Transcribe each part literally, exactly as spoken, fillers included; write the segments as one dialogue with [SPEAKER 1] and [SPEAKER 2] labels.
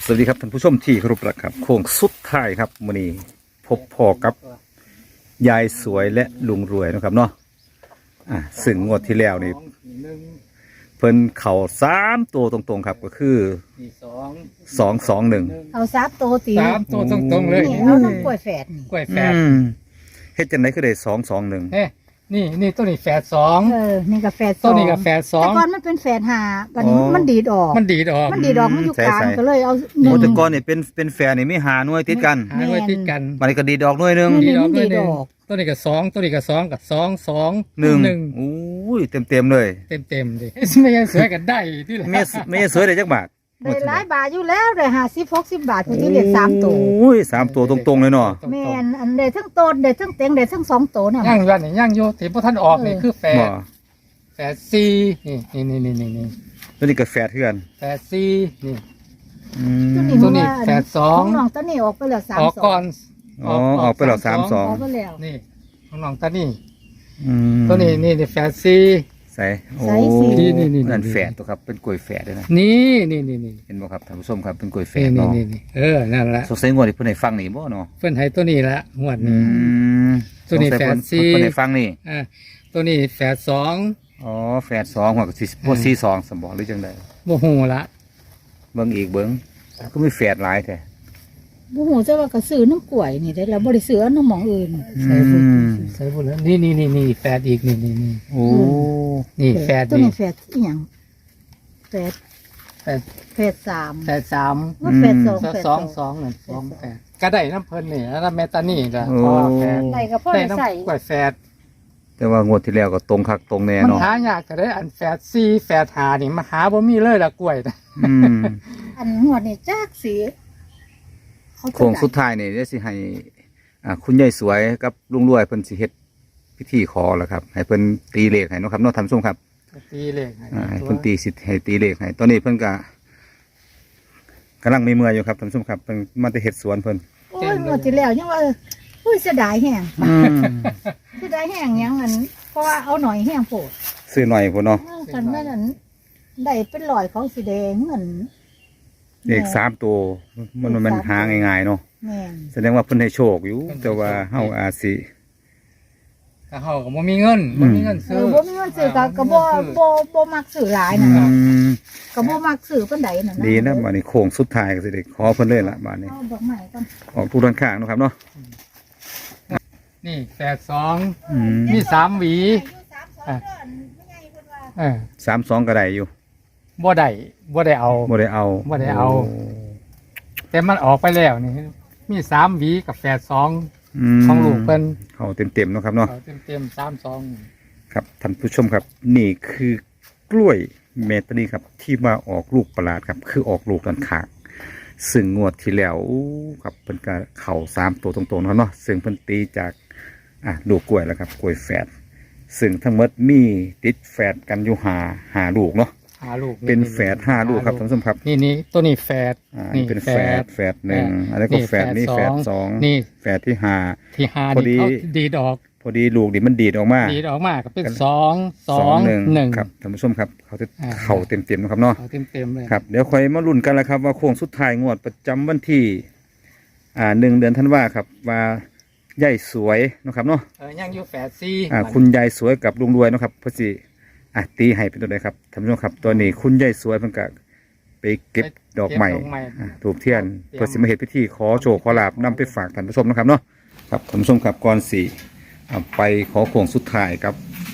[SPEAKER 1] สวัสดีครับท่านผู้ชมที่เคารพรักครับโค้งสุดท้ายครับมื้อนี้พบพ่อกับยายสวยและลุงรวยนะครับเนาะอ่ะซึ่งงวดที่แล้วนี่เพิ่นเข่าสามตัวตรงๆครับก็คือสองสองหนึ่ง
[SPEAKER 2] เอาซับโตตี
[SPEAKER 3] สามตัวตรงๆเลย
[SPEAKER 2] นี่เอาน้ำกล้วยแฝดนี่
[SPEAKER 3] กล้วยแฝด
[SPEAKER 1] เฮ็ดจังได๋คือได้สองสองหนึ่ง
[SPEAKER 3] เฮ้นี่นี่ตัวนี้แฝดสอง
[SPEAKER 2] เออนี่ก็แฝดส
[SPEAKER 3] ตั
[SPEAKER 2] อ
[SPEAKER 3] ว
[SPEAKER 2] ง
[SPEAKER 3] นี้กับแฝดสอ
[SPEAKER 2] แต่
[SPEAKER 3] ง
[SPEAKER 2] ก่อนมันเป็นแฝดห้าวันนี้มันดีดออก
[SPEAKER 3] มันดีดออก
[SPEAKER 2] มันดีดอกมันอยู่กลางก็เลยเอาห
[SPEAKER 1] โอ้
[SPEAKER 2] นึ่ง
[SPEAKER 1] แต่ก่อนนี่เป็นเป็นแฟนนี่มีหาหน่วยติดกัน
[SPEAKER 3] หาไว้ติดกัน
[SPEAKER 1] บัดนี้ก็ดีดอกหน่วยหนึง
[SPEAKER 2] นี่
[SPEAKER 3] ดีดอก
[SPEAKER 2] มันดี
[SPEAKER 3] ด้วยหนึ่ง
[SPEAKER 2] ดอก
[SPEAKER 3] ตัวนี้กับสองตัวนี้กับสองกับสองสอง
[SPEAKER 1] หนึ่ง
[SPEAKER 3] หนึ่ง
[SPEAKER 1] โอ้ยเต็มๆเลย
[SPEAKER 3] เต็มเต็มๆดิไม่ยังสวยกันได้ที่ละ
[SPEAKER 1] แม่แม่สวยได้จักบาท
[SPEAKER 2] ได้หลายบาทอยู่แล้วได้ห้าสิบหกสิบบาทผู้ที่เรียกสามตัว
[SPEAKER 1] โอ้ยสามตัวตรงๆเลยเนาะ
[SPEAKER 2] แม่นอันได้ทั้งโตนได้ทั้งเต็งได้ทั้งสองโตน่ะ
[SPEAKER 3] ย่างยันนี่ย่างโยที่พวกท่านออกนี่คือแฝ
[SPEAKER 1] บ่
[SPEAKER 3] ดแฝดสี่นี่นี่นี่นี่นี่
[SPEAKER 1] ตัวนี้ก็แฟดคือกัน
[SPEAKER 3] แฝดสี่นี่
[SPEAKER 1] อืม
[SPEAKER 3] ตัวนี้แฝดสอง
[SPEAKER 2] ของน้องตอนนี้ออกไปแล้วสาม
[SPEAKER 3] ออก
[SPEAKER 2] สอ
[SPEAKER 3] ก่อง น
[SPEAKER 1] อ๋อออกไปแล้วสามสอง
[SPEAKER 2] ออกไปแล้ว
[SPEAKER 3] นี่ของน้องตานี่
[SPEAKER 1] อืม
[SPEAKER 3] ตัวนี้นี่นี่แฝดสี่
[SPEAKER 1] ใส่โอ้
[SPEAKER 2] ใส่สิ
[SPEAKER 3] นี่นี่นี่
[SPEAKER 1] นั่นแฝดตัวครับเป็นกล้วยแฝดด้วยนะ
[SPEAKER 3] นี่นี่นี่นี่
[SPEAKER 1] เห็นบ่ครับท่านผู้ชมครับเป็นกล้วยแฝ
[SPEAKER 3] นี่
[SPEAKER 1] ด
[SPEAKER 3] นี่
[SPEAKER 1] เนาะ
[SPEAKER 3] นี่นี่เออนั่นแหละ
[SPEAKER 1] สงสัยงวดนี้เพิ่นให้ฟังนี่บ่เนาะ
[SPEAKER 3] เพิ่นให้ตัวนี้ละหวด
[SPEAKER 1] อื
[SPEAKER 3] นี้
[SPEAKER 1] ม
[SPEAKER 3] ตัวนี้
[SPEAKER 1] สงสัยเพิ่
[SPEAKER 3] แฝดสี่
[SPEAKER 1] เพิ่นให้ฟังนี่
[SPEAKER 3] อ่าตัวนี้แฝดสอง
[SPEAKER 1] อ๋อแฝดสองหัวก็สิบ่สี่สองสมบ่หรือจังได๋
[SPEAKER 3] โมโหละ
[SPEAKER 1] เบิ่งอีกเบิ่งก็มีแฝดหลายแท้
[SPEAKER 2] บ่ฮู้จะว่ากระสือน้ำกล้วยนี่ได้แล้วบ่ได้ซื้อเอาน้ำหมองอื่น
[SPEAKER 3] ใส่บุญ
[SPEAKER 1] อืม
[SPEAKER 3] ใส่บุญแล้วนี่นี่นี่นี่แฝดอีกนี่นี่นี่
[SPEAKER 1] โอ้
[SPEAKER 3] นี่แฝด
[SPEAKER 2] ตัว
[SPEAKER 3] นี่
[SPEAKER 2] นี้แฝดอีหยังแฝด
[SPEAKER 3] แฝด
[SPEAKER 2] แฝดสาม
[SPEAKER 3] แฝดสาม
[SPEAKER 2] ว่าแฝดสอง
[SPEAKER 3] สอง
[SPEAKER 2] แฝด
[SPEAKER 3] สองสองหนึ่งสองแฝดก็ได้น้ำเพิ่นนี่แล้วแม่ตานี่ละเพราะว่าแฝด
[SPEAKER 2] ได้ก็พ่อ
[SPEAKER 3] ได้
[SPEAKER 2] ได้ใส่
[SPEAKER 3] น้ำกล้วยแฝด
[SPEAKER 1] แต่ว่างวดที่แล้วก็ตรงคักตรงแน่
[SPEAKER 3] มัน
[SPEAKER 1] เนาะ
[SPEAKER 3] หายากก็ได้อันแฝดสี่แฝดหานี่มาหาบ่มีเลยละกล้วยนะ
[SPEAKER 1] อืม
[SPEAKER 2] อันหัวนี่จักสีเขาจะ
[SPEAKER 1] โค้ง
[SPEAKER 2] ได้
[SPEAKER 1] สุดท้ายนี่เดี๋ยวสิให้อ่าคุณยายสวยกับลุงรวยเพิ่นสิเฮ็ดพิธีขอแล้วครับให้เพิ่นตีเลขให้เนาะครับเนาะท่านผู้ชมครับ
[SPEAKER 3] ตีเลขให้
[SPEAKER 1] อ่าให้เพิ่นตีสิให้ตีเลขให้ตอนนี้เพิ่นก็กำลังมีเมื่อยอยู่ครับท่านผู้ชมครับเพิ่นมาแต่เฮ็ดสวนเพิ่น
[SPEAKER 2] โอ้ยหมดที่แล้วยังว่าอุ้ยเสียดายแห้ง
[SPEAKER 1] อืม
[SPEAKER 2] เสียดายแห้งยังอันเพราะว่าเอาหน่อยแห้งโผด
[SPEAKER 1] ซื้อหน่อยพุ่นเนาะ
[SPEAKER 2] คันแม่นั้นได้เป็นลอยของสีแดงเหมือน
[SPEAKER 1] เลขสามตัวมันมันมันหาง่ายๆเนาะ
[SPEAKER 2] แม่น
[SPEAKER 1] แสดงว่าเพิ่นให้โชคอยู่ แต่ว่าเฮาอาจสิ
[SPEAKER 3] แต่เฮาก็บ่มีเงินบ่มีเงิน
[SPEAKER 2] เอ
[SPEAKER 3] ซื้อ
[SPEAKER 2] อบ่มีเงินซื้อก็ก็บ่บ่บ่มักซื้อหลาย
[SPEAKER 1] อื
[SPEAKER 2] นะ
[SPEAKER 1] ม
[SPEAKER 2] ก็บ่มักซื้อปานใดนั่นนะ
[SPEAKER 1] ดีนะบัดนี้โค้งสุดท้ายก็สิได้ขอเพิ่นเลยล่ะบัดนี้
[SPEAKER 2] เอาดอกไม้ก่อน
[SPEAKER 1] ออกทุกด้านข้างเนาะครับเนาะ
[SPEAKER 3] นี่แฝดสอง
[SPEAKER 1] อืม
[SPEAKER 3] มีสามหวี อ่ะ เออ
[SPEAKER 1] สามสองก็ได้อยู่
[SPEAKER 3] บ่ได้บ่ได้เอา
[SPEAKER 1] บ่ได้เอา
[SPEAKER 3] บ่ได้เอา แต่มันออกไปแล้วนี่ มีสามหวีกับแฝดสอง
[SPEAKER 1] ม
[SPEAKER 3] ของลูกเพิ่น
[SPEAKER 1] เขาเต็มๆเนาะครับเนาะ
[SPEAKER 3] เอาเต็มๆสามสอง
[SPEAKER 1] ครับท่านผู้ชมครับ นี่คือกล้วยเมตานีครับ ที่มาออกลูกประหลาดครับ คือออกลูกด้านข้างซึ่งงวดที่แล้วอู้ครับเพิ่นก็เข่าสามตัวตรงๆเนาะครับเนาะซึ่งเพิ่นตีจากอ่ะลูกกล้วยแล้วครับกล้วยแฝดซึ่งทั้งหมดมีติดแฝดกันอยู่หาหาลูกเนาะ
[SPEAKER 3] หาลูก
[SPEAKER 1] เป็นแฝดห้าลูกครับท่านผู้ชมครับ
[SPEAKER 3] นี่นี่ตัวนี้แฝด
[SPEAKER 1] อ่านี่เป็นแฝดแฝดหนึ่ง
[SPEAKER 3] แฝด
[SPEAKER 1] อันนี้ก็แฝดนี่แฝดสอง
[SPEAKER 3] นี่
[SPEAKER 1] แฝดที่ห้า
[SPEAKER 3] ที่หา
[SPEAKER 1] พอดี
[SPEAKER 3] นี่เขาดีดออก
[SPEAKER 1] พอดีลูกนี่มันดีดออกมา
[SPEAKER 3] ดีดออกมาก็เป็นสองสอง
[SPEAKER 1] หนึ่ง
[SPEAKER 3] หนึ่ง
[SPEAKER 1] ครับท่านผู้ชมครับเขาจะ
[SPEAKER 3] อ่า
[SPEAKER 1] เข่าเต็มๆนะครับเนาะ
[SPEAKER 3] เอาเต็มๆเลย
[SPEAKER 1] ครับเดี๋ยวคอยมาลุ้นกันแล้วครับว่าโค้งสุดท้ายงวดประจำวันที่อ่าหนึ่งเดือนธันวาครับว่ายายสวยเนาะครับเนาะ
[SPEAKER 3] เออยังอยู่แฝดสี่
[SPEAKER 1] อ่าคุณยายสวยกับลุงรวยเนาะครับเพอสิอ่ะตีให้เป็นตัวใดครับท่านผู้ชมครับตัวนี้คุณยายสวยเพิ่นก็ไปเก็บดอกใหม่อ่าถูกเทียนเพื่อสิมาเฮ็ดพิธีขอโชคขอลาบนำไปฝากท่านผู้ชมนะครับเนาะครับท่านผู้ชมครับก่อนสิอ่าไปขอโค้งสุดท้ายครับ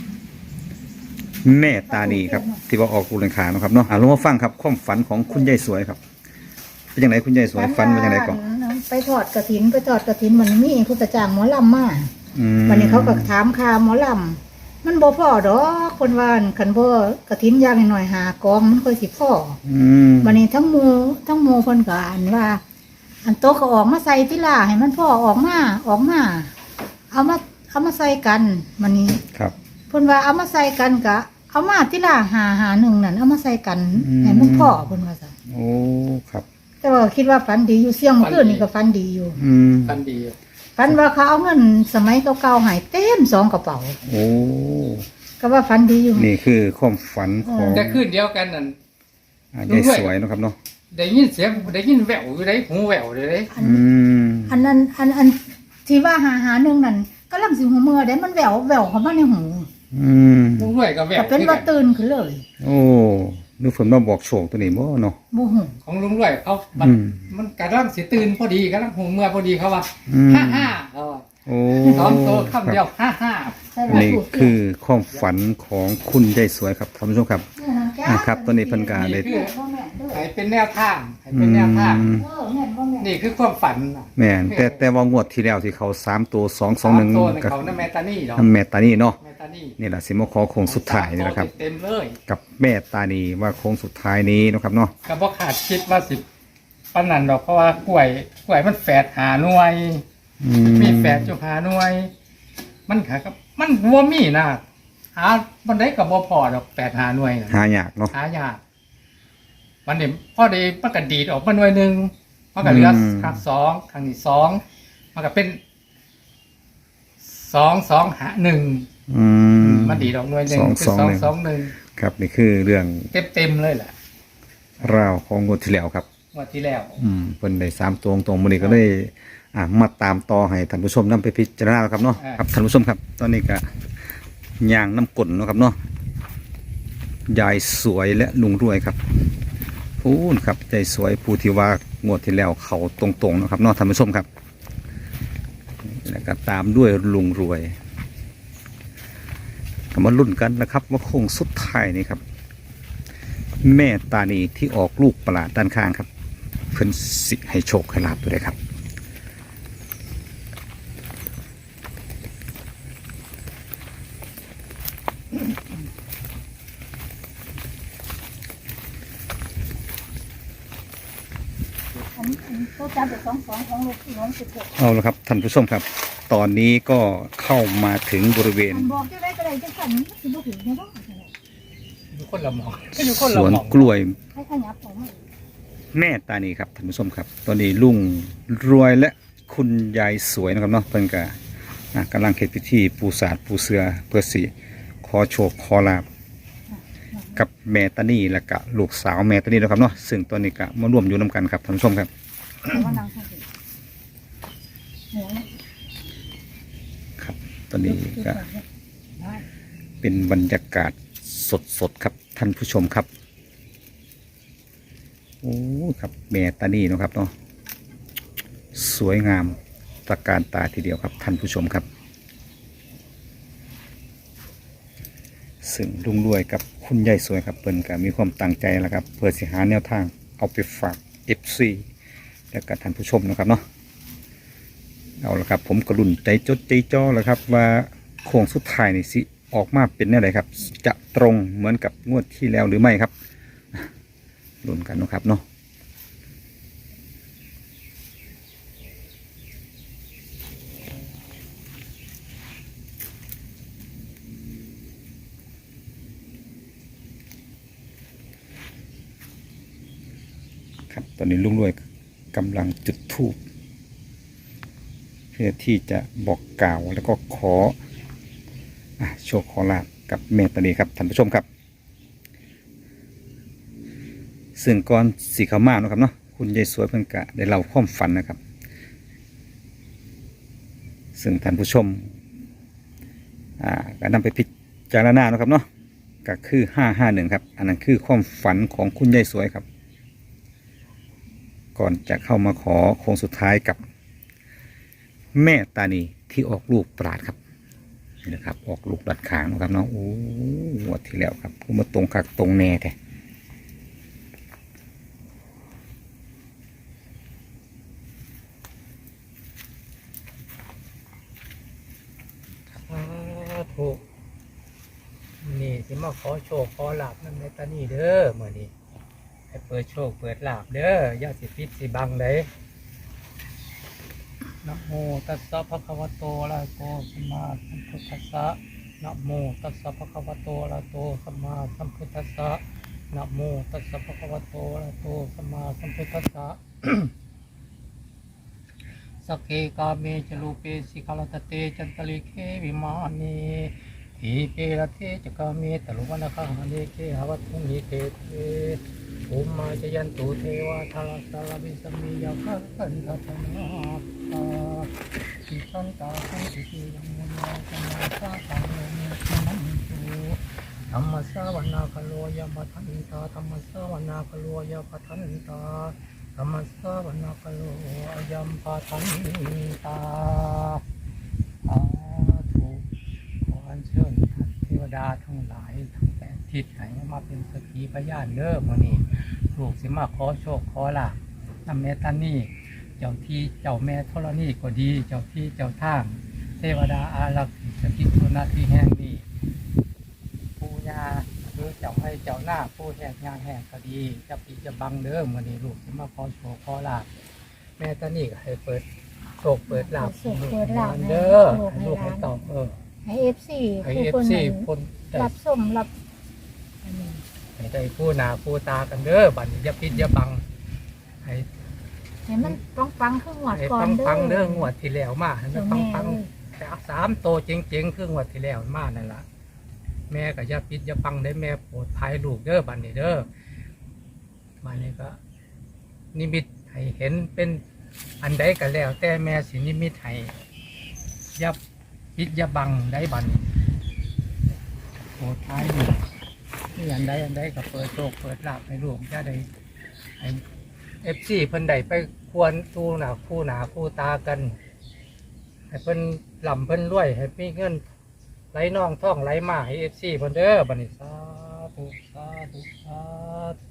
[SPEAKER 1] แม่ตานีครับที่ว่าออกรูเลนขาเนาะครับเนาะอ่าลงมาฟังครับความฝันของคุณยายสวยครับเป็นยังไงคุณยายสวยฝันเป็นยังไงก่อน
[SPEAKER 2] ไปทอดกระถินไปทอดกระถินมันมีผู้ประจ้างหมอลำมา
[SPEAKER 1] อืม
[SPEAKER 2] วันนี้เขาก็ถามค่าหมอลำมันบ่พอดอกคนว่าอั่นคันบ่กระถินอย่างหน่อยๆหากองมันค่อยสิพอ
[SPEAKER 1] อืม
[SPEAKER 2] วันนี้ทั้งหมู่ทั้งหมู่เพิ่นก็อันว่า อันโตะก็ออกมาใส่ติล่าให้มันพอออกมาออกมาเอามาเอามาใส่กันวันนี้
[SPEAKER 1] ครับ
[SPEAKER 2] เพิ่นว่าเอามาใส่กันก็เอามาติล่าหาหาหนึ่งนั่นเอามาใส่กันให้มันพอเพิ่นว่าซั่น
[SPEAKER 1] โอ้ครับ
[SPEAKER 2] แต่ว่าคิดว่าฝันดีอยู่เสี่ยงเมื่อคืนนี่ก็ฝันดีอยู่
[SPEAKER 1] อืม
[SPEAKER 3] กันดี
[SPEAKER 2] ฝันว่าเขาเอาเงินสมัยเก่าๆใหายเต็มสองกระเป๋า
[SPEAKER 1] โอ้
[SPEAKER 2] ก็ว่าฝันดีอยู่
[SPEAKER 1] นี่คือความฝันของ
[SPEAKER 3] แต่คืนเดียวกันนั่น
[SPEAKER 1] อ่ายายสวยเนาะครับเนาะ
[SPEAKER 3] ได้ยินเสียงได้ยินแววอยู่ได้หูแววอยู่ได้
[SPEAKER 2] อัน
[SPEAKER 1] อืม
[SPEAKER 2] อันนั้นอันอันที่ว่าหาหาหนึ่งนั่นก็ลังสิหูเมื่อได้มันแหววแหววเข้ามาในหู
[SPEAKER 1] อืม
[SPEAKER 3] ลุงรวยก็แวว
[SPEAKER 2] แต่เป็น
[SPEAKER 3] คือ
[SPEAKER 2] ว่า
[SPEAKER 3] กัน
[SPEAKER 2] ตื่นขึ้นเลย
[SPEAKER 1] โอ้นึกฝนมาบอกโชคตัวนี้บ่เนาะ
[SPEAKER 2] โมโห
[SPEAKER 3] ของลุงรวยเขามัน
[SPEAKER 1] อืม
[SPEAKER 3] มันกำลังสิตื่นพอดีกำลังหูเมื่อพอดีเขาว่า
[SPEAKER 1] อืม
[SPEAKER 3] ฮ่าฮ่าเขาว่า
[SPEAKER 1] โอ้
[SPEAKER 3] สองตัวคำเดียวฮ่าฮ่า
[SPEAKER 2] ใช่
[SPEAKER 1] อันนี้คือความฝันของคุณยายสวยครับท่านผู้ชมครับ อ่าครับตอนนี้เพิ่นก็ได้
[SPEAKER 3] ให้เป็นแนวทางให้เป็นแนวทาง
[SPEAKER 1] อืม
[SPEAKER 2] เออแม่นบ่แม่น
[SPEAKER 3] นี่คือความฝันน่ะ
[SPEAKER 1] แม่นแต่แต่ว่างวดที่แล้วที่เขาสามตัวสองสองหนึ่ง
[SPEAKER 3] สามตัวใน
[SPEAKER 1] กับ
[SPEAKER 3] เขานั่นแมตานี่เนาะ
[SPEAKER 1] แม่ตานี่เนาะ
[SPEAKER 3] แมตานี่
[SPEAKER 1] นี่แหละสิมาขอโค้งสุดท้ายนี่แหละครับ
[SPEAKER 3] เต็มเลย
[SPEAKER 1] กับแม่ตานีว่าโค้งสุดท้ายนี้เนาะครับเนาะ
[SPEAKER 3] ก็บ่ขาดคิดว่าสิปานนั้นดอกเพราะว่ากล้วยกล้วยมันแฝดหาหน่วย
[SPEAKER 1] อื
[SPEAKER 3] มีแฝดจุหาหน่วย มันขากับมันบ่มีนะหาบันไดก็บ่พอดอกแฝดหาหน่วยน่ะ
[SPEAKER 1] หายากเนาะ
[SPEAKER 3] หายากวันนี้พอดีมันก็ดีดออกมาหน่วยหนึงมันก็เหลือ
[SPEAKER 1] อืม
[SPEAKER 3] ครั้งสองครั้งที่สองมันก็เป็นสองสองหาหนึ่ง
[SPEAKER 1] อืม
[SPEAKER 3] มันดีดออกหน่วยหนึ่ง
[SPEAKER 1] สอง
[SPEAKER 3] เป็น
[SPEAKER 1] สอง
[SPEAKER 3] สอง
[SPEAKER 1] หนึ่ง
[SPEAKER 3] สองหนึ่ง
[SPEAKER 1] ครับนี่คือเรื่อง
[SPEAKER 3] เต็มเต็มๆเลยแหละ
[SPEAKER 1] ราวของงวดที่แล้วครับ
[SPEAKER 3] งวันที่แล้ว
[SPEAKER 1] อืมเพิ่นได้สามตัวตรงๆมื้อนี้ก็เลยอ่ามาตามต่อให้ท่านผู้ชมนำไปพิจารณาแล้วครับเนาะครับท่านผู้ชมครับ ตอนนี้ก็ย่างน้ำกลนเนาะครับเนาะยายสวยและลุงรวยครับพูนครับยายสวยผู้ที่ว่างวดที่แล้วเขาตรงๆเนาะครับเนาะท่านผู้ชมครับแล้วก็ตามด้วยลุงรวยก็มาลุ้นกันนะครับว่าโค้งสุดท้ายนี่ครับ แม่ตานีที่ออกลูกประหลาดด้านข้างครับ เพิ่นสิให้โชคให้ลาบตัวใดครับ
[SPEAKER 2] อันนี้อันนี้เขาจับไปสองสองของลูกน้องสิบหก
[SPEAKER 1] เอาละครับท่านผู้ชมครับ ตอนนี้ก็เข้ามาถึงบริเวณ
[SPEAKER 2] อันบอกจะได้ก็ได้จะสั่นมันสิบ่ถึงแน่บ่
[SPEAKER 3] อยู่คนละหมองอยู่คน
[SPEAKER 1] ส
[SPEAKER 3] ละ
[SPEAKER 1] วน
[SPEAKER 3] หมอง
[SPEAKER 1] กล้วย
[SPEAKER 2] ให้ขยับออกมา
[SPEAKER 1] แม่ตานีครับท่านผู้ชมครับ ตอนนี้ลุงรวยและคุณยายสวยนะครับเนาะเพิ่นก็อ่ะกำลังเฮ็ดพิธีปูสาดปูเสือเพื่อสิขอโชคขอลาบกับแม่ตานีและก็ลูกสาวแม่ตานีนะครับเนาะซึ่งตอนนี้ก็มาร่วมอยู่นํกันครับท่านผู้ชมครับ
[SPEAKER 2] แต่ว่านางเขาสิเหนือ
[SPEAKER 1] ครับ ตอนนี้ก็
[SPEAKER 2] ได้
[SPEAKER 1] เป็นบรรยากาศสดๆครับท่านผู้ชมครับ โอ้ครับแม่ตานีเนาะครับเนาะสวยงามตระการตาทีเดียวครับท่านผู้ชมครับ ซึ่งลุงรวยกับคุณยายสวยครับเปิ้นก็มีความตั้งใจแล้วครับ เพื่อสิหาแนวทางเอาไปฝาก เอฟ ซี และกับท่านผู้ชมนะครับเนาะเอาละครับ ผมกระลุ่นใจจดใจจ่อแล้วครับ ว่าโค้งสุดท้ายนี่สิออกมาเป็นแนวไหนครับ จะตรงเหมือนกับงวดที่แล้วหรือไม่ครับลุ้นกันเนาะครับเนาะ ครับตอนนี้ลุงรวยกำลังจุดธูปเพื่อที่จะบอกกล่าวแล้วก็ขออ่ะโชคขอลาบกับแม่ตานีครับท่านผู้ชมครับ ซึ่งก่อนสีขาวมาเนาะครับเนาะคุณยายสวยเพิ่งกะได้เล่าความฝันนะครับ ซึ่งท่านผู้ชมอ่าก็นำไปพิจารณาเนาะครับเนาะก็คือห้าห้าหนึ่งครับ อันนั้นคือความฝันของคุณยายสวยครับ ก่อนจะเข้ามาขอโค้งสุดท้ายกับแม่ตานีที่ออกลูกปราดครับนี่นะครับ ออกลูกดัดขางนะครับเนาะโอ้งวดที่แล้วครับคือมาตรงคักตรงแน่แท้
[SPEAKER 3] ถูกนี่สิมาขอโชคขอลาบนั่นในตานี่เด้อมื่อนี้ให้เปิดโชคเปิดลาบเด้ออย่าสิปิดสิบังเลยนะโมตัสสะภะคะวะโตอะระหะโตสัมมาสัมพุทธัสสะนะโมตัสสะภะคะวะโตอะระหะโตสัมมาสัมพุทธัสสะนะโมตัสสะภะคะวะโตอะระหะโตสัมมาสัมพุทธัสสะ สักเคกาเมจลูเปสิกาลตเตจันตลิเควิมานีเทอีเปรเทจกามีตลุวันคังฮันเดเกหวัตถุนิเตเตอุมมาจยันตุเทวาทาราสารวิสมียาคันทัตนาตาสิสันตาสันติยังมุนยาสมาสาตังโนเมติมันตุธรรมสาวนาคโลยปัทันตาธรรมสาวนาคโลยปัทันตาธรรมสาวนาคโลยัมปัทันตาสาธุขออัญเชิญท่านเทวดาทั้งหลายทั้งแปดทิศให้มาเป็นสักขีพยานเด้อมื้อนี้ลูกสิมาขอโชคขอลาภนำแม่ตานี่เจ้าที่เจ้าแม่ธรณีก็ดีเจ้าที่เจ้าทางเทวดาอารักษ์สถิตอยู่ณที่แห่งนี้ปู่ย่าหรือเจ้าให้เจ้าหน้าผู้แห่งงานแห่งก็ดีจะปีจะบังเด้อมื้อนี้ลูกสิมาขอโชคขอลาภแม่ตานี่ก็ให้เปิดโชคเปิดลาภ
[SPEAKER 2] โชคเปิดลาภ
[SPEAKER 3] เด้อ
[SPEAKER 2] ให้
[SPEAKER 3] ให้
[SPEAKER 2] ลู
[SPEAKER 3] ลู
[SPEAKER 2] ก
[SPEAKER 3] ก
[SPEAKER 2] ให้
[SPEAKER 3] ให้
[SPEAKER 2] หลาน
[SPEAKER 3] ตอบเออ
[SPEAKER 2] ให้เอฟซี
[SPEAKER 3] ให้
[SPEAKER 2] ผู้
[SPEAKER 3] เอฟ
[SPEAKER 2] คน
[SPEAKER 3] ซี
[SPEAKER 2] นั้น
[SPEAKER 3] คนได้
[SPEAKER 2] รับชมรับอันนี้
[SPEAKER 3] ให้ได้ผู้หนาผู้ตากันเด้อบัดนี้อย่าปิดอย่าบังให้
[SPEAKER 2] ให้มันปังปังๆขึ้นหวด
[SPEAKER 3] ให้
[SPEAKER 2] ก่อน
[SPEAKER 3] ปัง
[SPEAKER 2] เด้อ
[SPEAKER 3] ปังๆเด้องวดที่แล้วมาให้มั
[SPEAKER 2] เจ้าน
[SPEAKER 3] ปัง
[SPEAKER 2] แม่
[SPEAKER 3] ปัง
[SPEAKER 2] เอ้ย
[SPEAKER 3] แต่สามโตเจ๋งๆคืองวดที่แล้วมานั่นล่ะแม่ก็อย่าปิดอย่าปังได้แม่โปรดภัยลูกเด้อบัดนี้เด้อบัดนี้ก็ นิมิตให้เห็นเป็นอันใดก็แล้ว แต่แม่สินิมิตให้อย่าปิดอย่าบังได้บัดนี้โปรดภัยลูกนี่อันใดอันใดก็เปิดโชคเปิดลาภให้ลูกจะได้ให้เอฟซีเพิ่นได้ไปควรตูหนาคู่หนาคู่ตากันให้เพิ่นลำเพิ่นรวยให้มีเงินไหลน่องท่องไหลมาให้เอฟซีเพิ่นเด้อบัดนี้สาธุสาธุสาธุ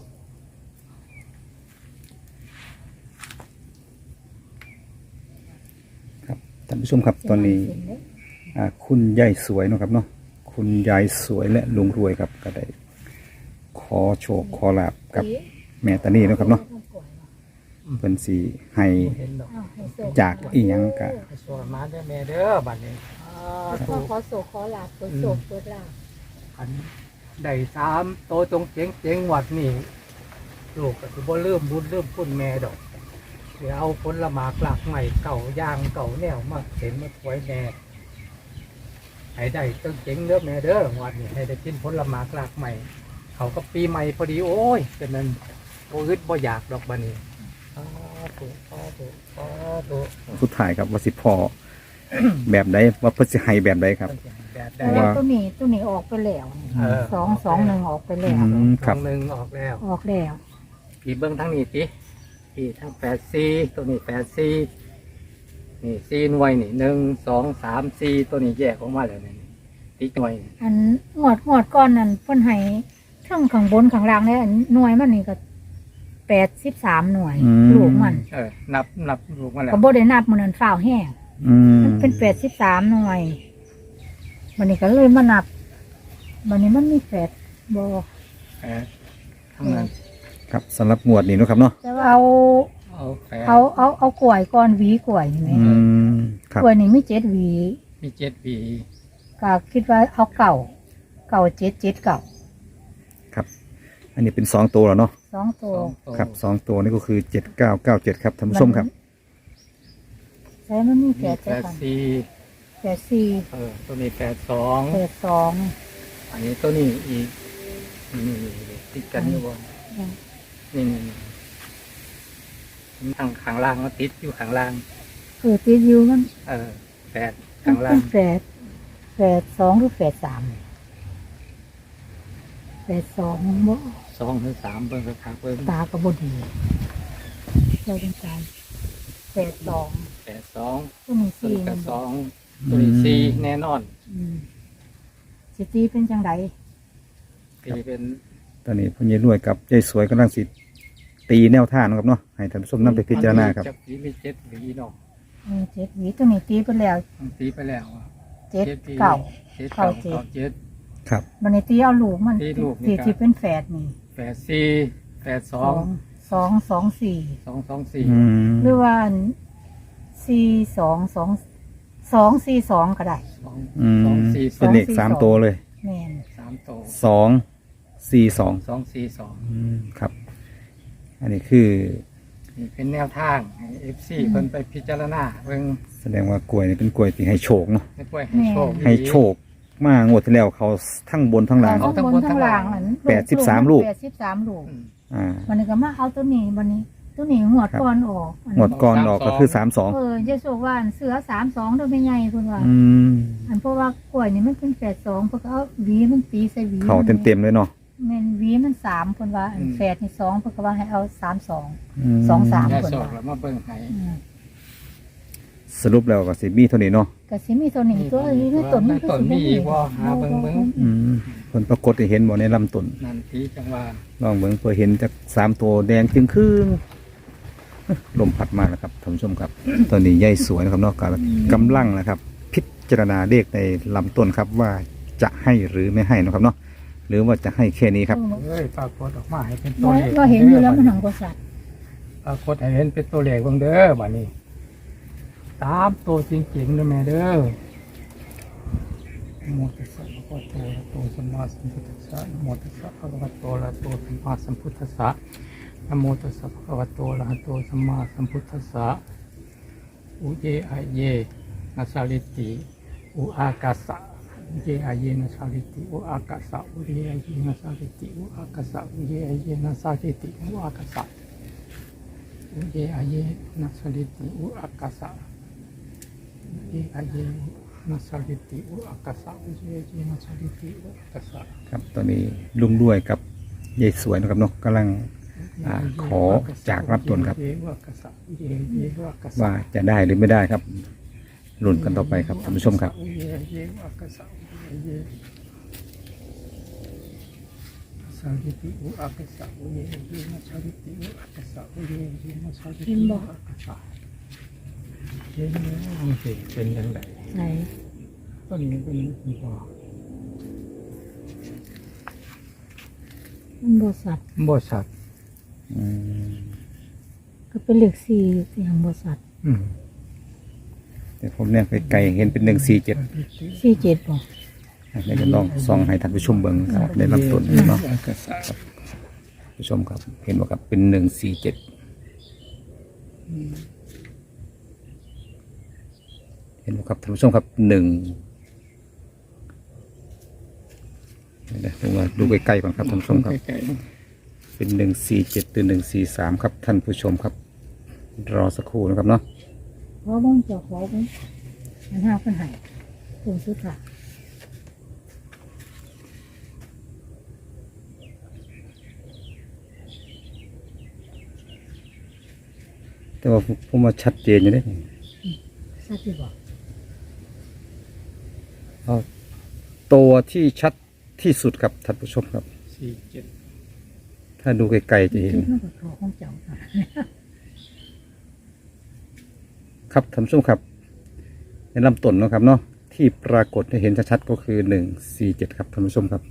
[SPEAKER 1] ครับท่านผู้ชมครับตอนนี้อ่าคุณยายสวยเนาะครับเนาะคุณยายสวยและลุงรวยครับก็ได้ขอโชคขอลาบกับแม่ตานีเนาะครับเนาะเพิ่นสิให้
[SPEAKER 3] เห็นดอก
[SPEAKER 2] อ้าวให้โศ
[SPEAKER 1] จากอีหยังกะ
[SPEAKER 3] ให้สวยมาเด้อแม่เด้อบัดนี้สา
[SPEAKER 2] ขอ
[SPEAKER 3] ธุ
[SPEAKER 2] ขอโศกขอลาบเปิดโศกเปิดลาบ
[SPEAKER 3] อันได้สามโตตรงเจ๋งเจ๋งๆวัดนี่ลูกก็สิบ่ลืมบุญลืมคุณแม่ดอกเดี๋ยวเอาผลหมากหลักใหม่เก่าย่างเก่าแนวมาเห็นมาถวายแม่ให้ได้ตึงเจ๋งเด้อแม่เด้อวัดนี้ให้ได้กินผลหมากหลักใหม่ เขาก็ปีใหม่พอดีโอ้ยเป็นนั้นโอ้ยบ่อยากดอกบัดนี้สาธุสาธุสาธุ
[SPEAKER 1] สุดท้ายครับว่าสิพอ แบบใดว่าเพิ่นสิให้แบบใดครับ
[SPEAKER 3] แบบใด
[SPEAKER 2] แต่ว่าตัวนี้ตัวนี้ออกไปแล้ว
[SPEAKER 3] เออ
[SPEAKER 2] สองสองหนึ่งออกไปแล้
[SPEAKER 1] อื
[SPEAKER 2] ว
[SPEAKER 1] ม
[SPEAKER 3] ค
[SPEAKER 1] ครั
[SPEAKER 3] รั้
[SPEAKER 1] บ
[SPEAKER 3] งหนึ่งออกแล้ว
[SPEAKER 2] ออกแล้ว
[SPEAKER 3] ปีเบิ้งทั้งนี้ติปีทั้งแปดสี่ตัวนี้แปดสี่นี่สี่หน่วยนี่หนึ่งสองสามสี่ตัวนี้แยกออกมาแล้วนี่ติ๊กหน่วยนี่
[SPEAKER 2] อันงวดงวดก้อนนั่นเพิ่นให้เทั้งข้างบนข้างล่างเนี่ยอันหน่วยมันนี่ก็แปดสิบสามหน่วย
[SPEAKER 1] อืม
[SPEAKER 2] ลูกมัน
[SPEAKER 3] เออนับนับลูกมาแล้ว
[SPEAKER 2] ก็บ่ได้นับมันนั้นฝ้าวแห้ง
[SPEAKER 1] อืม
[SPEAKER 2] มันเป็นแปดสิบสามหน่วยวันนี้ก็เลยมานับวันนี้มันมีแปดบ่
[SPEAKER 3] เออทั้งนั้น
[SPEAKER 1] ครับสำหรับงวดนี้เนาะครับเนาะ
[SPEAKER 2] แต่ว่าเอา
[SPEAKER 3] เอาแปด
[SPEAKER 2] เอาเอาเอากล้วยก้อนหวีกล้วยนี่ไหม
[SPEAKER 1] อืมครับ
[SPEAKER 2] กล้วยนี่มีเจ็ดหวี
[SPEAKER 3] มีเจ็ดปี
[SPEAKER 2] ก็คิดว่าเอาเก่าเก่าเจ็ดเจ็ดเก่า
[SPEAKER 1] ครับ อันนี้เป็นสองตัวแล้วเนาะ
[SPEAKER 2] สองตัว
[SPEAKER 3] สองตัว
[SPEAKER 1] ครับสองตัวนี่ก็คือเจ็ดเก้าเก้าเจ็ดครับท่านผู้ชมครับ
[SPEAKER 2] ใช่มันมี
[SPEAKER 3] มี
[SPEAKER 2] แปด
[SPEAKER 3] แป
[SPEAKER 2] เจ็ด
[SPEAKER 3] ดสี่
[SPEAKER 2] แปดสี่
[SPEAKER 3] เออตัวนี้แปดสอง
[SPEAKER 2] แปดสอง
[SPEAKER 3] อันนี้ตัวนี้อีกนี่ติดกันอยู่บ่นี่นี่นี่ทางข้างล่างมันติดอยู่ข้างล่าง
[SPEAKER 2] เออตีอยู่มัน
[SPEAKER 3] เออแปด
[SPEAKER 2] มั
[SPEAKER 3] ข้าน งล่า
[SPEAKER 2] เป็
[SPEAKER 3] ง
[SPEAKER 2] นแปดแปดสองหรือแปดสามแปดสองบ่
[SPEAKER 3] สองหรือสามเบิ่งกระถางเบิ่ง
[SPEAKER 2] ตากระบดีเราต้องการแปดสอง
[SPEAKER 3] แปดสอง
[SPEAKER 2] ตัวนี้
[SPEAKER 3] ตัว
[SPEAKER 2] สี่
[SPEAKER 3] นี้แป
[SPEAKER 2] มัน
[SPEAKER 3] ดส
[SPEAKER 2] บอ
[SPEAKER 3] อก งตัวนี้สี่แน่นอน
[SPEAKER 2] อืมสิตีเป็นจังได
[SPEAKER 3] ตีเป็น
[SPEAKER 1] ตอนนี้พ่อใหญ่รวยกับยายสวยกำลังสิตีแนวทางเนาะครับเนาะให้ท่านผู้ชมนำไปพิจารณาครับ
[SPEAKER 3] จับปีมีเจ็ดหวีเนาะ
[SPEAKER 2] เออเจ็ดหวีตัวนี้ตีไปแล้ว
[SPEAKER 3] มันตีไปแล้วอะ
[SPEAKER 2] เจ็ด
[SPEAKER 3] ปี
[SPEAKER 2] เก่า
[SPEAKER 3] เจ็ดเก่า
[SPEAKER 2] เก้าเจ็ด
[SPEAKER 3] เก่าเจ็ด
[SPEAKER 1] ครับ
[SPEAKER 2] บันนี้ตีเอาลูกมัน
[SPEAKER 3] ตีลูกนี่
[SPEAKER 2] ที่
[SPEAKER 3] ครับ
[SPEAKER 2] ที่เป็นแฝดนี่
[SPEAKER 3] แปดสี่แปดส
[SPEAKER 2] ส
[SPEAKER 3] อ
[SPEAKER 2] อง งสองสองสี่
[SPEAKER 3] สองสองสี่
[SPEAKER 1] อืม
[SPEAKER 2] หรือว่าสี่สองสองสองสี่สองก็ได้
[SPEAKER 3] สอง
[SPEAKER 1] อืม
[SPEAKER 3] สองสี่ส
[SPEAKER 1] เป็
[SPEAKER 3] อน ง
[SPEAKER 1] เลขสามตัวเลย
[SPEAKER 2] แม่น
[SPEAKER 3] สามโต
[SPEAKER 1] สองสี่สอง
[SPEAKER 3] สองสี่สอง
[SPEAKER 1] อืมครับ อันนี้คือ
[SPEAKER 3] นี่เป็นแนวทางเอฟซีเพิ่นไปพิจารณาเบิ่ง
[SPEAKER 1] แสดงว่ากล้วยนี่เป็นกล้วยที่ให้โชคเนาะ
[SPEAKER 3] ให้กล้วยให้โชค
[SPEAKER 1] ให้โชคมางวดที่แล้วเขาทั้งบนทั้งล่าง
[SPEAKER 2] เอาทั้งบนทั้งล่างอัน
[SPEAKER 1] แปดสิบสามลูก
[SPEAKER 2] แปดสิบสามลูก
[SPEAKER 1] อ่า
[SPEAKER 2] วันนี้ก็มาเอาตัวนี้วันนี้ตัวนี้หัวดก่อนออกอัน
[SPEAKER 1] งวดก่อนออกก็คือสามสอง
[SPEAKER 2] เออเยซูว่าอันเสือสามสองโดยไม่ใหญ่คุณว่า
[SPEAKER 1] อืม
[SPEAKER 2] อันเพราะว่ากล้วยนี่มันเป็นแปดสองเพราะเขาเอาหวีมันตีใส่หวี
[SPEAKER 1] เขาเต็มๆเลยเนาะ
[SPEAKER 2] แม่นหวีมันสามคนว่าอันแฝดนี่สองเพราะเขาว่าให้เอาสามสอง
[SPEAKER 1] ม
[SPEAKER 2] สองสาม
[SPEAKER 3] ยาสอกแล้วมาเบิ่งให้
[SPEAKER 2] อืม
[SPEAKER 1] สรุปแล้วก็สิมีเท่านี้เนาะ
[SPEAKER 2] ก็สิมีตัวนี้ตัวนี้ในต้นมันก็
[SPEAKER 3] ต้น
[SPEAKER 2] สิ
[SPEAKER 3] มี
[SPEAKER 2] มี
[SPEAKER 3] อีกบ่หาเบิ่งเบิ่ง
[SPEAKER 1] อืมผลปรากฏให้เห็นบ่ในลำต้น
[SPEAKER 3] นั่นที่จังหว่า
[SPEAKER 1] ลองเบิ่งเพื่อเห็นจากสามตัวแดงจึงครึ่งลมพัดมาแล้วครับท่านผู้ชมครับ ตอนนี้ใหญ่สวยนะครับเนอกจากกำลังนะครับ พิจารณาเลขในลำต้นครับว่าจะให้หรือไม่ให้นะครับเนาะหรือว่าจะให้แค่นี้ครับ
[SPEAKER 3] เอ้ยปรากฏออกมาให้เป็นตัว
[SPEAKER 2] ว่า
[SPEAKER 3] เลข
[SPEAKER 2] ว่าเห็นอยู่แล้วมันหังกว่าสัตว์
[SPEAKER 3] ปรากฏให้เห็นเป็นตัวเลขเบิ่งเด้อบัดนี้ตามตัวจริงๆเด้อแม่เด้อนะโมตัสสะภะคะวะโตอะระหะโตสัมมาสัมพุทธัสสะนะโมตัสสะภะคะวะโตอะระหะโตสัมมาสัมพุทธัสสะนะโมตัสสะภะคะวะโตอะระหะโตสัมมาสัมพุทธัสสะอุเยอะเยนะสาลิติอุอากาสะอุเยอะเยนะสาลิติอุอากาสะอุเยอะเยนะสาลิติอุอากาสะอุเยอะเยนะสาลิติอุอากาสะอุเยอะเยนะสาลิติอุอากาสะอุเยอะเยนะสาลิติอุอากาสะอุเยอะเยนะสาลิติอุอากาสะ
[SPEAKER 1] ครับตอนนี้ลุงด้วยกับยายสวยนะครับเนาะกำลังอ่าขอจากรับตนครับ ว่าจะได้หรือไม่ได้ครับลุ้นกันต่อไปครับท่านผู้ชมครับ
[SPEAKER 3] สาลิติอุอากาสะอุเยเยนะสาลิติอุอากาสะอุเยเยนะสาลิติอุอากาสะเห็นไหมมันเป็นเป็นยังไง
[SPEAKER 2] ไหน
[SPEAKER 3] ต้นนี้เป็นอีกบ่
[SPEAKER 2] มันบ่สัตว์
[SPEAKER 3] บ่สัตว์
[SPEAKER 1] อืม
[SPEAKER 2] ก็เป็นเลขสี่ที่หังบ่สัตว์
[SPEAKER 3] อืม
[SPEAKER 1] แต่ผมเนี่ยไปไกลเห็นเป็นหนึ่งสี่เจ็ด
[SPEAKER 2] สี่เจ็ดบ่
[SPEAKER 1] เดี๋ยวจะลองส่องให้ท่านผู้ชมเบิ่งครับในลำต้นเนาะ
[SPEAKER 3] อากาสะ
[SPEAKER 1] ผู้ชมครับ เห็นว่าครับเป็นหนึ่งสี่เจ็ดเห็นว่าครับท่านผู้ชมครับหนึ่งเดี๋ยวผมว่าดูใกล้ๆก่อนครับท่านผู้ชมครับ
[SPEAKER 3] ใกล้
[SPEAKER 1] เป็นหนึ่งสี่เจ็ดหรือหนึ่งสี่สามครับท่านผู้ชมครับ รอสักครู่นะครับเนาะ
[SPEAKER 2] ขอบ้งจะขอบ้งมันห้าเพิ่นให้ตรงสุดค่ะ
[SPEAKER 1] แต่ว่าผมว่าชัดเจนอยู่เด้
[SPEAKER 2] สัตว์ที่บ่
[SPEAKER 1] เอาตัวที่ชัดที่สุดครับท่านผู้ชมครับ
[SPEAKER 3] ๆสี่เจ็ด
[SPEAKER 1] ถ้าดูไกลๆจะเห็น
[SPEAKER 2] คิดมันก็ขอของเจ้าค่ะ
[SPEAKER 1] ครับท่านผู้ชมครับ ในลำต้นเนาะครับเนาะที่ปรากฏให้เห็นชัดๆก็คือหนึ่งสี่เจ็ดครับท่านผู้ชมครับ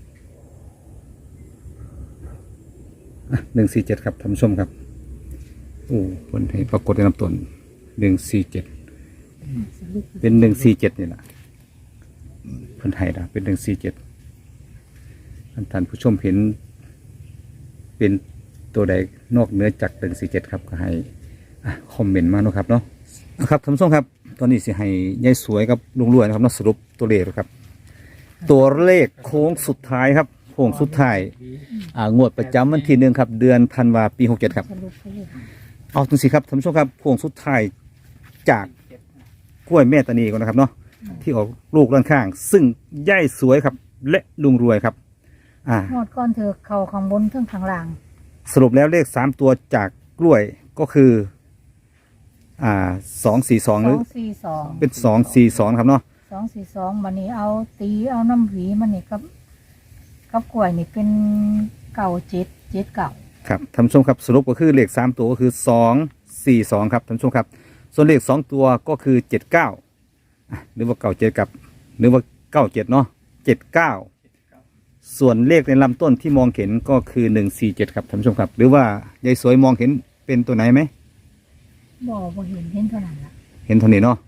[SPEAKER 1] หนึ่งสี่เจ็ดครับท่านผู้ชมครับโอ้ผลให้ปรากฏในลำต้นหนึ่งสี่เจ็ดเป็นหนึ่งสี่เจ็ดนี่แหละเพิ่นให้นะเป็นหนึ่งสี่เจ็ดท่านผู้ชมเห็น เป็นตัวใดนอกเหนือจากหนึ่งสี่เจ็ดครับก็ให้อ่ะคอมเมนต์มาเนาะครับเนาะนะครับท่านผู้ชมครับ ตอนนี้สิให้ยายสวยกับลุงรวยนะครับเนาะสรุปตัวเลขครับ ตัวเลขโค้งสุดท้ายครับโค้งสุดท้ายอ่างวดประจำวันที่หนึ่งครับ เดือนธันวาปีหกเจ็ดครับ
[SPEAKER 2] สรุปไปเลย
[SPEAKER 1] เอาจังสิครับท่านผู้ชมครับโค้งสุดท้ายจากกล้วยแม่ตานีก่อนนะครับเนาะที่ออกลูกด้านข้าง ซึ่งยายสวยครับ และลุงรวยครับ อ่า
[SPEAKER 2] หมดก่อนเถอะเข่าข้างบนเทั้งข้างล่าง
[SPEAKER 1] สรุปแล้วเลขสามตัวจากกล้วยก็คือ อ่าสองสี่สอง
[SPEAKER 2] ส
[SPEAKER 1] หรือ
[SPEAKER 2] องสี่สอง
[SPEAKER 1] เป็นสองสี่สองครับเนาะ
[SPEAKER 2] สองสี่สองวันนี้เอาตีเอาน้ำหวีมันนี่กับกับกล้วยนี่เป็นเก่าเจ็ดเจ็ดเก่า
[SPEAKER 1] ครับท่านผู้ชมครับสรุปก็คือเลขสามตัวก็คือสองสี่สองครับท่านผู้ชมครับ ส่วนเลขสองตัวก็คือเจ็ดเก้าหรือว่าเก้าเจ็ดกับ หรือว่าเก้าเจ็ดเนาะเจ็ดเก้าส่วนเลขในลำต้นที่มองเห็นก็คือหนึ่งสี่เจ็ดครับท่านผู้ชมครับ หรือว่ายายสวยมองเห็นเป็นตัวไหนไหม
[SPEAKER 2] บ่บ่เห็นเห็นเท่านั้นละ
[SPEAKER 1] เห็นเท่านี้เนาะ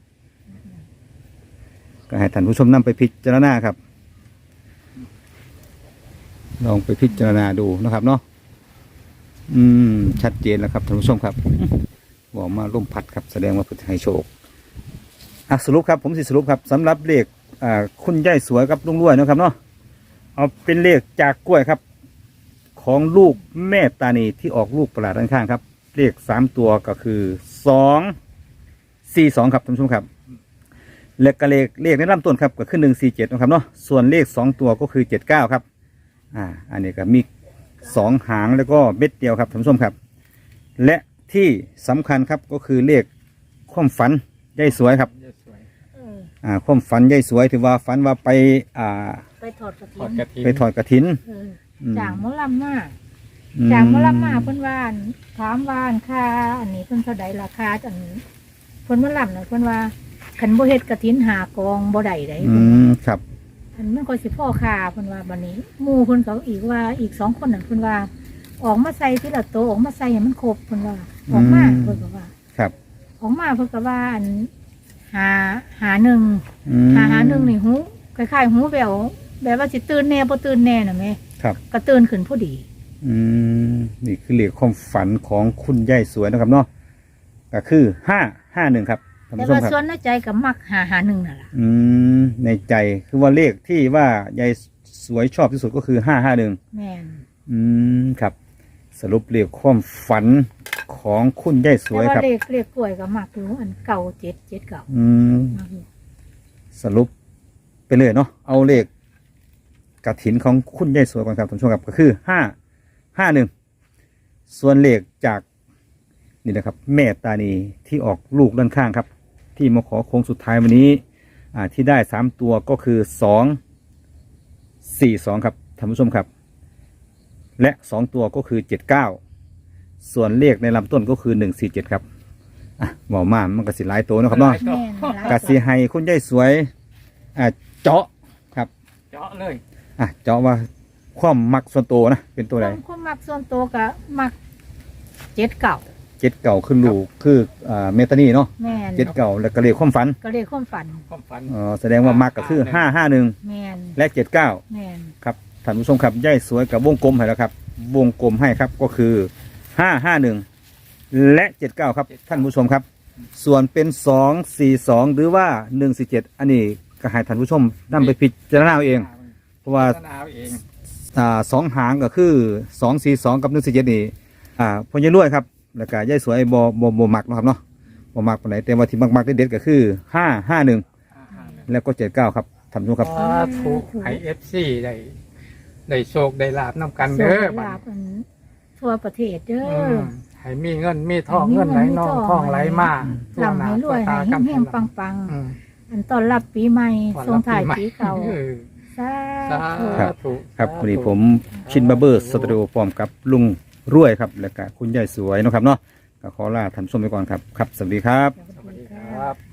[SPEAKER 1] ก็ให้ท่านผู้ชมนำไปพิจารณาครับ ลองไปพิจารณาดูนะครับเนาะอืม ชัดเจนแล้วครับท่านผู้ชมครับบอกมาล่มพัดครับแสดงว่าเพื่อให้โชคอ่ะสรุปครับผมสิสรุปครับสำหรับเลขอ่าคุณยายสวยกับลุงรวยเนาะครับเนาะเอาเป็นเลขจากกล้วยครับ ของลูกแม่ตานีที่ออกลูกประหลาดด้านข้างครับ เลขสามตัวก็คือสองสี่สองครับท่านผู้ชมครับ และก็เลขเลขในลำต้นครับก็คือหนึ่งสี่เจ็ดนะครับเนาะส่วนเลขสองตัวก็คือเจ็ดเก้าครับอ่าอันนี้ก็มีสองหางแล้วก็เม็ดเดียวครับท่านผู้ชมครับ และที่สำคัญครับก็คือเลขความฝันยายสวยครับ
[SPEAKER 2] เออ
[SPEAKER 1] อ่าความฝันยายสวยถือว่าฝันว่าไปอ่า
[SPEAKER 2] ไปถอดกระ
[SPEAKER 3] ทอ
[SPEAKER 2] ถิ่
[SPEAKER 3] ด
[SPEAKER 2] น
[SPEAKER 3] กระถิ่น
[SPEAKER 1] ไปถอดกระถิน
[SPEAKER 2] เออ
[SPEAKER 1] อืม
[SPEAKER 2] จางมะลำมา
[SPEAKER 1] อื
[SPEAKER 2] จางมะลำมาเพิ่นว่าอั่นถามว่าอันค่าอันนี้เพิ่นเท่าใดราคาอันเพิ่นมะลำน่ะเพิ่นว่าคันบ่เฮ็ดกระถินหากองบ่ได้ได้
[SPEAKER 1] อืมครับ
[SPEAKER 2] อันมันก็สิพ่อค่าเพิ่นว่าบัดนี้หมู่เพิ่นก็อีกว่าอีกสองคนนั่นเพิ่นว่า ออกมาใส่ทีละโตวออกมาใส่ให้มันครบเพิ่นว่าออกมาเพิ่นก็ว่า
[SPEAKER 1] ครับ
[SPEAKER 2] ออกมาเพิ่นก็ว่าอันหาหาหนึ่ง
[SPEAKER 1] อืม
[SPEAKER 2] หาหาหนึ่งนี่หูคล้ายๆหูแววแบบว่าสิตื่นแน่บ่ตื่นแน่น่ะแม่
[SPEAKER 1] ครับ
[SPEAKER 2] ก็ตื่นขึ้นพอดี
[SPEAKER 1] อืมนี่คือเลขความฝันของคุณยายสวยนะครับเนาะก็คือห้าห้าหนึ่งครับท่าน
[SPEAKER 2] แต่
[SPEAKER 1] ผู้ชม
[SPEAKER 2] ว่า
[SPEAKER 1] ครับ
[SPEAKER 2] ส่วนในใจก็มักหาหาหนึ่งนั่นล่ะ
[SPEAKER 1] อืมในใจคือว่าเลขที่ว่ายายสวยชอบที่สุดก็คือห้าห้าหนึ่ง
[SPEAKER 2] แม่น
[SPEAKER 1] อืมครับ สรุปเลขความฝันของคุณยายส
[SPEAKER 2] แต่
[SPEAKER 1] วย
[SPEAKER 2] ว่า
[SPEAKER 1] ครับ
[SPEAKER 2] เลขเลขกล้วยก็มักอยู่อันเก่าเจ็ดเจ็ดเก่า
[SPEAKER 1] อืม
[SPEAKER 2] มักอยู่
[SPEAKER 1] สรุปไปเลยเนาะเอาเลขกระถินของคุณยายสวยก่อนครับท่านผู้ชมครับก็คือห้าห้าหนึ่งส่วนเลขจากนี่นะครับ แม่ตานีที่ออกลูกด้านข้างครับ ที่มาขอโค้งสุดท้ายวันนี้ อ่าที่ได้สามตัวก็คือสองสี่สองครับท่านผู้ชมครับ และสองตัวก็คือเจ็ดเก้าส่วนเลขในลำต้นก็คือหนึ่งสี่เจ็ดครับอ่ะหมอมามันก็สิหลายตัวเนาะครับเนาะ
[SPEAKER 2] แม่นหลาย
[SPEAKER 1] กสิให้คุณยายสวยอ่าเจาะครับ
[SPEAKER 3] เจาะเลย
[SPEAKER 1] อ่ะเจาะว่าความมักส่วนตัวนะเป็นตัวใด
[SPEAKER 2] ความความมักส่วนตัวก็มักเจ็ดเก่า
[SPEAKER 1] เจ็ดเก่าคือลูกคืออ่าเมตานีเนาะ
[SPEAKER 2] แม่น
[SPEAKER 1] เจ็ดเก่าแล้วก็เลขความฝัน
[SPEAKER 2] ก็เลขความฝัน
[SPEAKER 3] ความฝัน
[SPEAKER 1] อ๋อแสดงว่ามักก็คือห้าห้าหนึ่ง
[SPEAKER 2] แม่น
[SPEAKER 1] และเจ็ดเก้า
[SPEAKER 2] แม่น
[SPEAKER 1] ครับท่านผู้ชมครับย่ายสวยกับวงกลมให้แล้วครับ วงกลมให้ครับก็คือห้าห้าหนึ่งและเจ็ดเก้าครับท่านผู้ชมครับ ส่วนเป็นสองสี่สองหรือว่าหนึ่งสี่เจ็ดอันนี้ก็ให้ท่านผู้ชมนำไปพิจารณาเอาเอง เพราะว่า
[SPEAKER 3] พัฒนาเอาเอง
[SPEAKER 1] อ่าสองหางก็คือสองสี่สองกับหนึ่งสี่เจ็ดนี่อ่าพญารวยครับแล้วก็ย่ายสวยบอบอบมักเนาะครับเนาะบมักปานไหนแต่ว่าที่มักๆเด็ดๆก็คือห้าห้าหนึ่งแล้วก็เจ็ดเก้าครับท่านผู้ชมครับ
[SPEAKER 3] สาธุไอเอฟซีได้ได้โชคได้ลาบนำกัน
[SPEAKER 2] โช
[SPEAKER 3] เด้อ
[SPEAKER 2] ค
[SPEAKER 3] บัด
[SPEAKER 2] ลาภอันทั่วประเทศเด้
[SPEAKER 3] อื
[SPEAKER 2] อ
[SPEAKER 3] มให้มีเงินมีทอง
[SPEAKER 2] ให้มี
[SPEAKER 3] เงินไหล
[SPEAKER 2] เงินมี
[SPEAKER 3] นอง
[SPEAKER 2] ทอง
[SPEAKER 3] ทองไหลมาทั่ว
[SPEAKER 2] ลำ
[SPEAKER 3] หน้า
[SPEAKER 2] ให้ร
[SPEAKER 3] ทั่ว
[SPEAKER 2] วย
[SPEAKER 3] ตา
[SPEAKER 2] ให้
[SPEAKER 3] กำ
[SPEAKER 2] แห้งๆปัง
[SPEAKER 3] อืม
[SPEAKER 2] ๆ อันต้อนรับปีใหม่
[SPEAKER 3] ก่อน
[SPEAKER 2] ส่ง
[SPEAKER 3] รับ
[SPEAKER 2] ท้าย
[SPEAKER 3] ใหม่
[SPEAKER 2] ปีเก่า
[SPEAKER 3] ออ
[SPEAKER 2] สา
[SPEAKER 3] สา
[SPEAKER 2] ธุ
[SPEAKER 1] ครับ
[SPEAKER 3] ธุ
[SPEAKER 1] ครับ
[SPEAKER 3] สาธุ
[SPEAKER 1] วันนี้ผมชินบาร์เบอร์สตูดิโอพร้อมกับลุงรวยครับแล้วก็คุณยายสวยเนาะครับเนาะก็ขอลาท่านผู้ชมไปก่อนครับครับสวัสดีครับ
[SPEAKER 2] ส
[SPEAKER 3] ส
[SPEAKER 2] วั
[SPEAKER 3] วั
[SPEAKER 2] ส
[SPEAKER 3] ส
[SPEAKER 2] ดี
[SPEAKER 3] ดี
[SPEAKER 2] ค
[SPEAKER 3] ค
[SPEAKER 2] รั
[SPEAKER 3] รับ บ